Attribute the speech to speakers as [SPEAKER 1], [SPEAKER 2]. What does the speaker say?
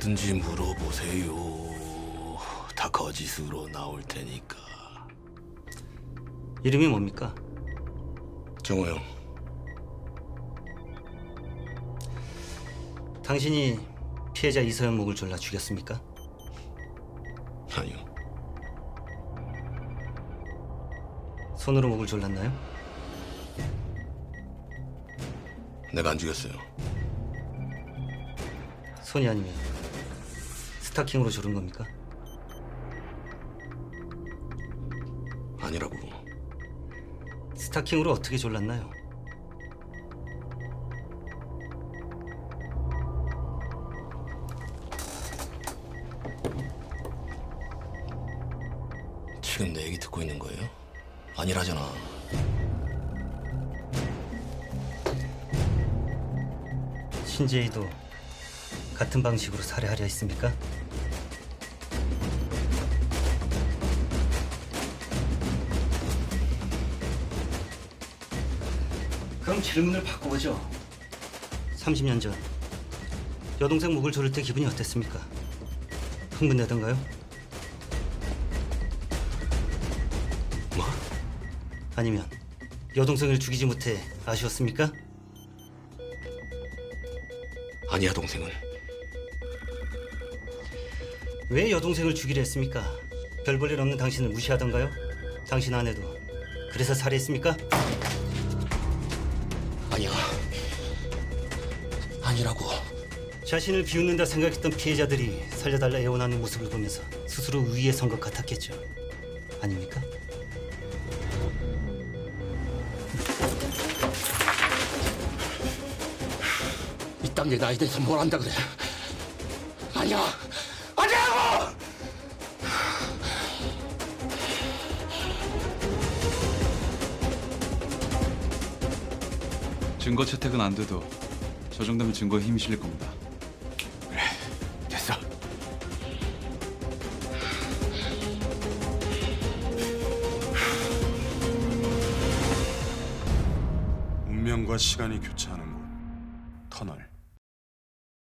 [SPEAKER 1] 뭐든지 물어보세요. 다 거짓으로 나올 테니까.
[SPEAKER 2] 이름이 뭡니까?
[SPEAKER 1] 정호 형,
[SPEAKER 2] 당신이 피해자 이서영 목을 졸라 죽였습니까?
[SPEAKER 1] 아니요.
[SPEAKER 2] 손으로 목을 졸랐나요?
[SPEAKER 1] 내가 안 죽였어요.
[SPEAKER 2] 손이 아니면 스타킹으로 조른 겁니까?
[SPEAKER 1] 아니라고.
[SPEAKER 2] 스타킹으로 어떻게 졸랐나요?
[SPEAKER 1] 지금 내 얘기 듣고 있는 거예요? 아니라잖아.
[SPEAKER 2] 신재희도 같은 방식으로 살해하려 했습니까? 그럼 질문을 바꿔보죠. 30년 전 여동생 목을 조를 때 기분이 어땠습니까? 흥분되던가요?
[SPEAKER 1] 뭐?
[SPEAKER 2] 아니면 여동생을 죽이지 못해 아쉬웠습니까?
[SPEAKER 1] 아니야, 동생은.
[SPEAKER 2] 왜 여동생을 죽이려 했습니까? 별 볼 일 없는 당신을 무시하던가요? 당신 아내도 그래서 살해했습니까?
[SPEAKER 1] 아니야. 아니라고.
[SPEAKER 2] 자신을 비웃는다 생각했던 피해자들이 살려달라 애원하는 모습을 보면서 스스로 위에 선 것 같았겠죠. 아닙니까?
[SPEAKER 1] 이딴 게 나에 대해서 뭘 안다 그래. 아니야. 아니라고!
[SPEAKER 3] 증거 채택은 안 돼도 저 정도면 증거에 힘이 실릴 겁니다.
[SPEAKER 1] 그래, 됐어.
[SPEAKER 4] 운명과 시간이 교차하는 곳, 터널.